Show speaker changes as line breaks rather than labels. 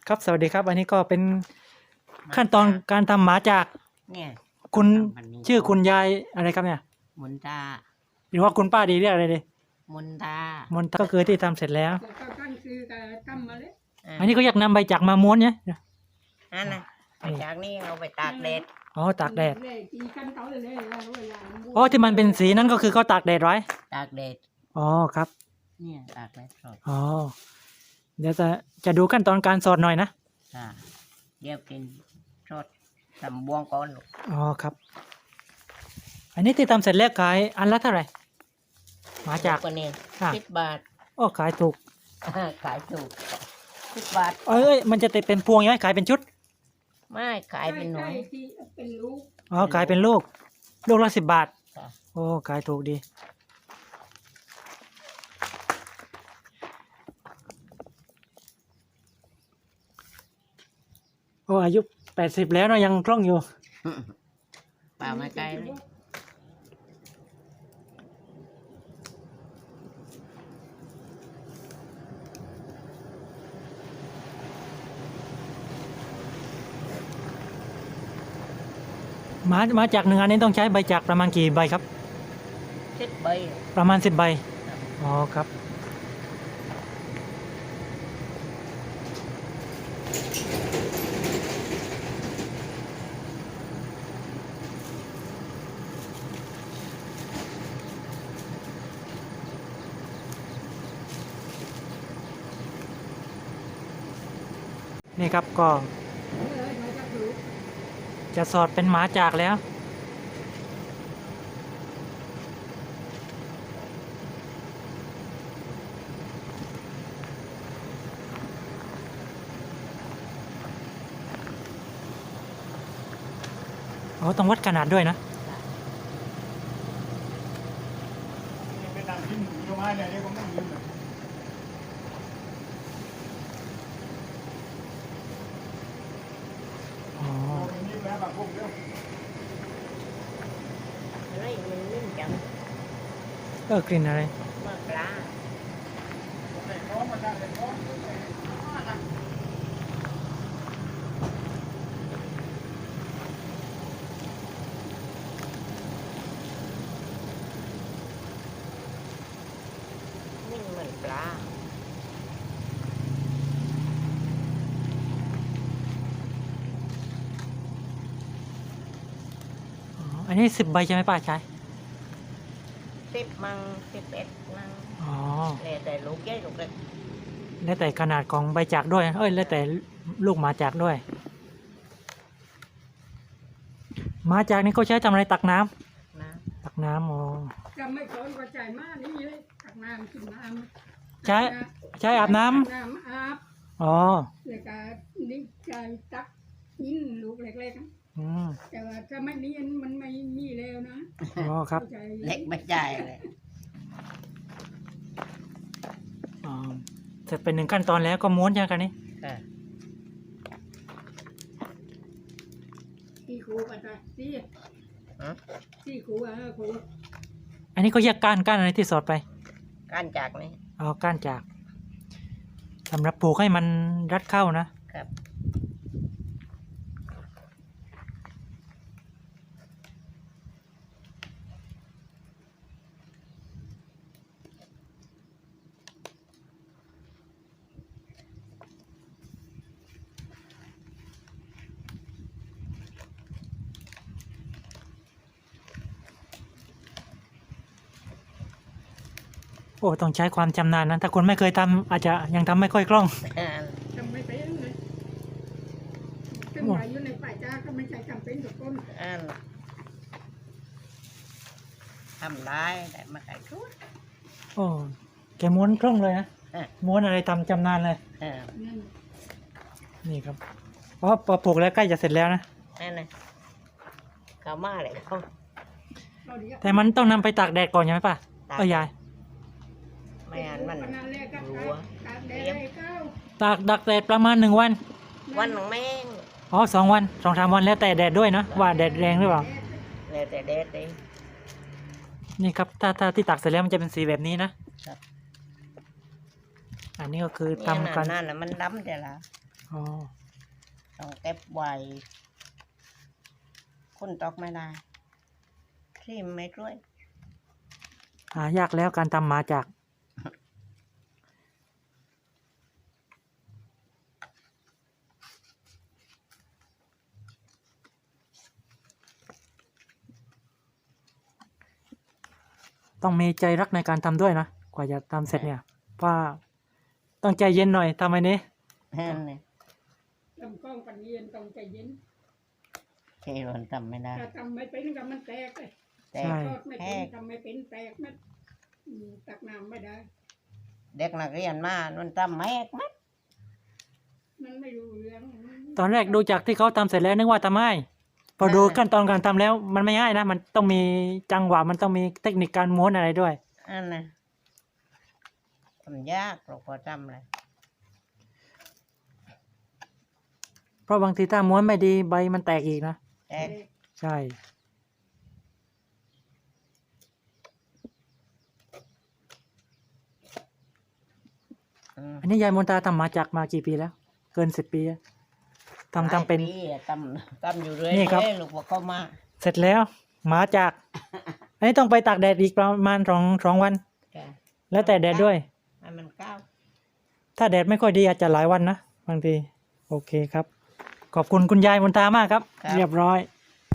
ครับสวัสดีครับอันนี้ก็เป็นขั้นตอนการทำหมาจาก
เนี่ย
คุณ
ทำพันนี้
ชื่อคุณยายอะไรครับเนี่ย
มุนตา
หรือว่าคุณป้าดีเรียกอะไรดี
มุนตาม
นตาก็คือที่ทำเสร็จแล้ว
แต่ก็ตั้งคือการทำมาเลย
อันนี้ก็อยากนำใบจากมาม้วนเนี่ย
อันน่ะไปจากนี้เอาไปตากแดด
อ๋อตากแดด
เลยจีกันเขาเลยแล้วเวลา
อ๋อที่มันเป็นสีนั้นก็คือเขาตากแดดไว้
ตากแดด
อ๋อครับ
เนี่ยตากแดดสด
อ๋อเดี๋ยวจะดูขั้นตอนการสอดหน่อยนะ
เดี๋ยวกินสดทำบวงก่อนลูก
อ๋อครับ อันนี้ที่ทำเสร็จแล้วขายอันละเท่าไหร่หมาจาก
คนนี้
อ่ะ
10 บาท
โอ้ขายถูก
ขายถูก10 บาท
เอ้ยมันจะติดเป็นพวงยังไงขายเป็นชุด
ไม่ขายเป็นหน่วย
ที่เป็นลูก
อ๋อขายเป็นลูกละ10 บาท
ค่ะ
โอ้ขายถูกดี โอ้อายุ80แล้วเนาะยังคล่องอยู่
เปล่าไม่ไกลเลย
มาจากหนึ่งอันนี้ต้องใช้ใบจากประมาณกี่ใบครับ
10 ใบ
ประมาณ10 ใบ อ๋อครับ นี่ครับก็
เลยมาจากลูก
จะสอดเป็นหมาจากแล้ว อ๋อต้องวัดขนาดด้วยนะ
ไม่นั่งกินอยู่มาเนี่ยนี่ก็ไม่ยืนเลย
อ๋อ
โอ้ยนี่แม่บางพวกเดียว
อะไรมันนิ่มจัง
กลิ่นอะไร
มากปลา
แต่ท้องมันได้แต่ท้อง
นิ่มเหมือนปลา
อ๋อ อันนี้10 ใบใช่ไหมป้าชาย
10 มั่ง11 มั่ง
อ๋อ
แล้วแต่ลูกใหญ่ลูกเล็ก
แล้วแต่ขนาดของใบจากด้วย แล้วแต่ลูกหมาจากด้วย หมาจากนี่เขาใช้ทำอะไรตักน้ำ
นะ
ตักน้ำอ๋อ
จะไม่สนกระจายมากนี่เลยตักน้ำกินน้ำ
ใช้อาบน้ำ
น้ำอาบ
อ๋อ
แล้วก็นี่ใจตักกินลูกเล็กๆนะ
อืม
แต่ว่าถ้าไม่มีมันไม่มีแล้วนะ
อ๋อครับ
เข้าใจ
เล็กไม่ใช่เลย
อ๋อ เสร็จเป็น1 ขั้นตอนแล้วก็ม้วนใช่ไหมกันนี่
ค่ะ
ที่ครูกันไปที่
ฮะ
ที่ครูครู
อันนี้ก็แยกก้านอะไรที่สอดไป
การจากนี่
อ๋อ ก้านจากสำหรับปลูกให้มันรัดเข้านะ
ครับ
โอ้ต้องใช้ความชำนาญนะ ถ้าคนไม่เคยทำอาจจะยังทำไม่ค่อยคล่อง
ทำไม่เป็นเลยซึ่งว่าอยู่ในป่าจ้าก็ไม่ใช่จำเป็นทุกคน
อันทำได้แต่มาขายชุด
โอ้แกม้วนคล่องเลยนะ
อ่ะ
ม้วนอะไรทำชำนาญเลย
นั่น
นี่ครับเพราะพอปลูกแล้วใกล้จะเสร็จแล้วนะ
นั่นนะเขามาเลยเขา
เราเดียว
แต่มันต้องนำไปตากแดดก่อนใช่ไหมป้า
ตาก
ยาย
ไม่งั้นมัน
ขนาดแรกก็
รัว
ตากแดดเลยเก้า
ดักแดดประมาณ1 วัน
วันของแม่ง
อ๋อ2 วัน2-3 วันแล้วแต่แดดด้วยนะว่าแดดแรงหรือเปล่า
แล้วแต่เด็ดเลย
นี่ครับถ้าที่ตักเสร็จแล้วมันจะเป็นสีแบบนี้นะ อันนี้ก็คือ
เนี่ย
ทำกัน
นั่นน่ะมันดำแต่ละ
อ๋อ
ต้องเก็บไว้คนตอกไม่ได้ที่ไม่ช่วย
หายากแล้วการทำหมาจากต้องมีใจรักในการทำด้วยนะกว่าจะทำเสร็จเนี่ยว่าต้องใจเย็นหน่อยทำไมนี้
นั่นเนี่ย
ทำกล้องปันเย็นต้องใจเย็น
ที่มันทำไม่ได้
ถ้าทำไม่เป็นก็มันแตกเลย
แต่
ใช่
ทอดไม่
แห
เป็น
ก
ทำไม่เป็นแตกมัดตักน้ำไม่ได้
เด็กนักเรียนมามันทำแหกมัด
มันไม่รู้เรื่อง
ตอนแรกดูจากที่เขาทำเสร็จแล้วนึกว่าทำง่ายพอดูขั้นตอนการทำแล้วมันไม่ง่ายนะมันต้องมีจังหวะมันต้องมีเทคนิคการม้วนอะไรด้วย
อันน่ะทำยากเราพอทำเลย
เพราะบางทีถ้าม้วนไม่ดีใบมันแตกอีกนะ
แตก
ใช่ อันนี้ยายมนตาทำหมาจากมากี่ปีแล้ว เกิน10 ปีแล้วทำเป็น
หลายปีอะทำอยู่เรื่อย
นี่ครับ
ลูกว่าเข้ามา
เสร็จแล้วหมาจาก อันนี้ต้องไปตากแดดอีกประมาณสองวัน
จ้ะ
แล้วแต่แดดด้วย
ให้มันก้าว
ถ้าแดดไม่ค่อยดีอาจจะหลายวันนะบางที โอเคครับ ขอบคุณคุณยายมนตามากครับ เรียบร้อย